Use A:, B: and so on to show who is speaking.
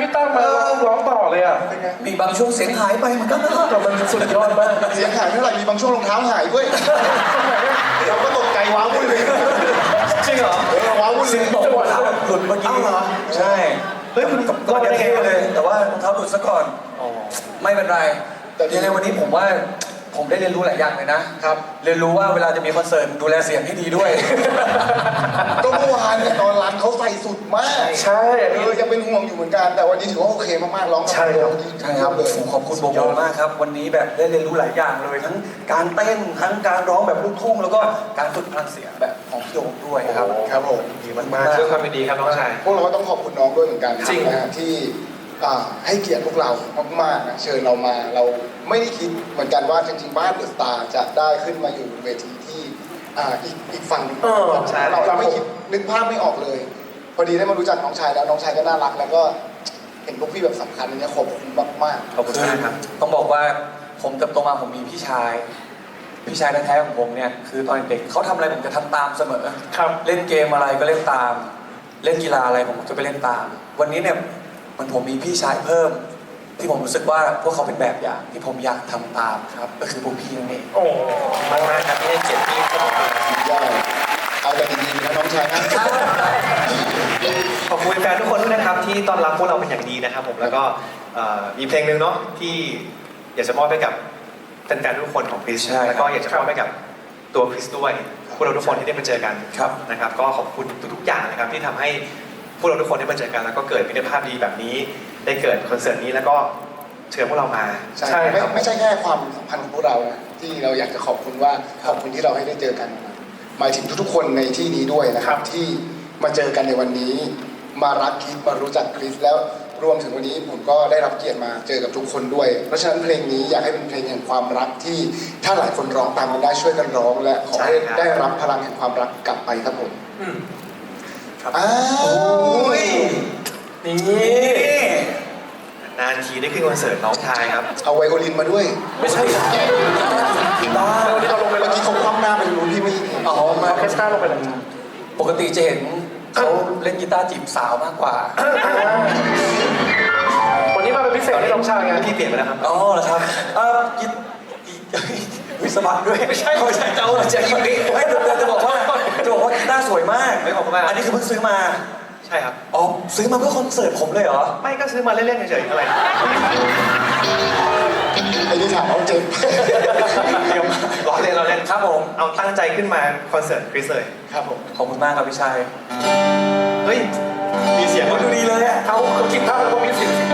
A: พี่ตั้มมาร้องต่อเลยอ่ะ
B: เป็นไง
C: มีบางช่วงเสียงหายไปเหมือนกันนะ
A: แต่มันสุดยอดมาก
B: เสียงหายเท่าไหร่มีบางช่วงรองเท้าหายด้วยเราก็ตกใจว้าวุ่นเลย
C: จริงเหรอ
B: ว้าวุ่นเล
C: สิ่ง
B: ย
C: ตกรองเท้าหลุดเมื่อกี้เหรอใช่เฮ้ยคุณก็จะเท่เลย แต่ว่ารองเท้าหลุดซะก่อนไม่เป็นไรแต่ในวันนี้ผมว่าผมได้เรียนรู้หลายอย่างเลยนะครับ เรียนรู้ว่าเวลาจะมีคอนเสิร์ตดูแลเสียงให้ดีด้วย
B: ก็เมื่อวานเนี่ยตอนรันเขาใส่สุดมาก
A: ใช่อันนี้
B: ยังเป็นห่วงอยู่เหมือนกันแต่วันนี้ถือว่าโอเคมากๆร้อง
A: ใช่ครับ
C: ใช่ครับ
B: เลย
C: ขอบคุณโบโบมากครับ วันนี้แบบได้เรียนรู้หลายอย่างเลย ทั้งการเต้นทั้งการร้องแบบลูกทุ่งแล้วก็การฝึกพลังเสียงแบบของพี่โดมด้วยครับ
B: ครับผม
A: ดีมากๆด้วยความยินดีครับน้องชาย
B: พวกเราก็ต้องขอบคุณน้องด้วยเหมือนกัน
A: จริง
B: นะฮะที่ให้เกียรติพวกเรามากๆนะเชิญเรามาเราไม่ได้คิดเหมือนกันว่าจริงๆบ้านเดอะสตาร์จะได้ขึ้นมาอยู่บนเวทีที่อีกฝั่งหนึ่งเราไม่คิดนึกภาพไม่ออกเลย พอดีได้มารู้จักน้องชายแล้วน้องชายก็น่ารักแล้วก็เห็นพวกพี่แบบสำคัญอันนี้ขอบคุณมาก
A: ขอบคุณมากครับ
C: ต้องบอกว่าผมเติบโตมาผมมีพี่ชายแท้ๆของผมเนี่ยคือตอนเด็กเขาทำอะไรผมจะทำตามเสมอ
A: ครับ
C: เล่นเกมอะไรก็เล่นตาม เล่นกีฬาอะไรผมก็จะไปเล่นตาม วันนี้เนี่ยมันผมมีพี่ชายเพิ่ม ที่ผมรู้สึกว่าพวกเขาเป็นแบบอย่างที่ผมอยากทำตามครับก็คือพวกพี่นั่นเอง
A: โอ้มากๆครับที่ให้เกียรติพี่ครับผม
B: ๆยอดเอาแต่ดีๆนะน้องชายนะ
A: ขอบคุณแฟนทุกคนด้วยนะครับที่ต้อนรับพวกเราเป็นอย่างดีนะครับผมแล้วก็มีเพลงหนึ่งเนาะที่อยากจะมอบให้กับแฟนๆทุกคนของคริสแล้วก็อยากจะมอบให้กับตัวคริสด้วยพวกเราทุกคนที่ได้มาเจอกันนะครับก็ขอบคุณทุกๆอย่างนะครับที่ทำให้พวกเราทุกคนได้มาเจอกันแล้วก็เกิดมิตรภาพดีแบบนี้ได้เกิดคอนเสิร์ตนี้แล้วก็เชิญพวกเรามา
B: ใช่ไม่ใช่แค่ความสัมพันธ์ของพวกเรานะที่เราอยากจะขอบคุณว่าขอบคุณที่เราให้ได้เจอกันหมายถึงทุกๆคนในที่นี้ด้วยนะครับที่มาเจอกันในวันนี้ มารักคริสมารู้จักคริสแล้วรวมถึงวันนี้ผมก็ได้รับเกียรติมาเจอกับทุกคนด้วย เพราะฉะนั้นเพลงนี้อยากให้เป็นเพลงแห่งความรักที่ถ้าหลายคนร้องตามกันได้ช่วยกันร้อง และขอให้ได้รับพลังแห่งความรักกลับไปครับผมอ้าว
C: นี่
A: นานทีได้ขึ้นคอนเสิร์ตน้องชายครับ
B: เอาไวโอลินมาด้วย
C: ไม่ใช่บ้า
A: วันนี้เราลงไป
B: เมื่อกี้เขาคว่ำหน้าไปรู้พี่ไม่เห็น
C: อ๋อมา
A: ออเคสตราลงไปแล้ว
C: ปกติจะเห็นเขาเล่นกีตาร์จีบสาวมากกว่า
A: วันนี้มาเป็นพิเศษให้น้องชายไงพี่เปลี่ยนไปแล้วครับ
C: อ๋อเหรอครับวิสมัครด้วยไม่ใช่เจ้าจะยิงดิไม่จะบอกว่ากีตาร์สวยมาก
A: ไม่ขอบคุณมาก
C: อันนี้คือเพิ่งซื้อมา
A: ใช่ครับ
C: อ๋อซื้อมาเพื่อคอนเสิร์ตผมเลยเหรอ
A: ไม่ก็ซื้อมาเล่นๆเฉยๆอะไร
B: ไอ้นี่ถามเอาเจ็บ
A: เดี๋ยวรอเล่นเราเล่น
C: ครับผม
A: เอาตั้งใจขึ้นมาคอนเสิร์ตคริสเลย
B: ครับผม
C: ขอบคุณมากครับพี่ชัย
A: เฮ้ยมีเสียง
C: มันดูดีเลยอ่ะ
A: เขาคิดภาพแล้วก็มีเสียง